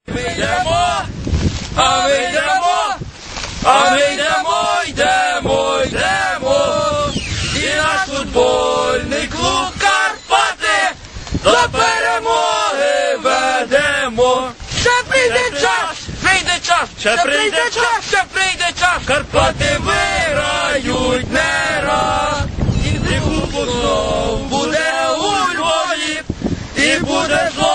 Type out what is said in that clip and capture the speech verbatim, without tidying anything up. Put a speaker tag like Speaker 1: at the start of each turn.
Speaker 1: Ми йдемо, а ми йдемо, а ми йдемо, йдемо, йдемо. І наш футбольний клуб Карпати до перемоги ведемо. Ще прийде час, прийде час, ще прийде час, ще прийде час. Карпати виграють не раз. І кубок знов буде у Львові, і буде знову.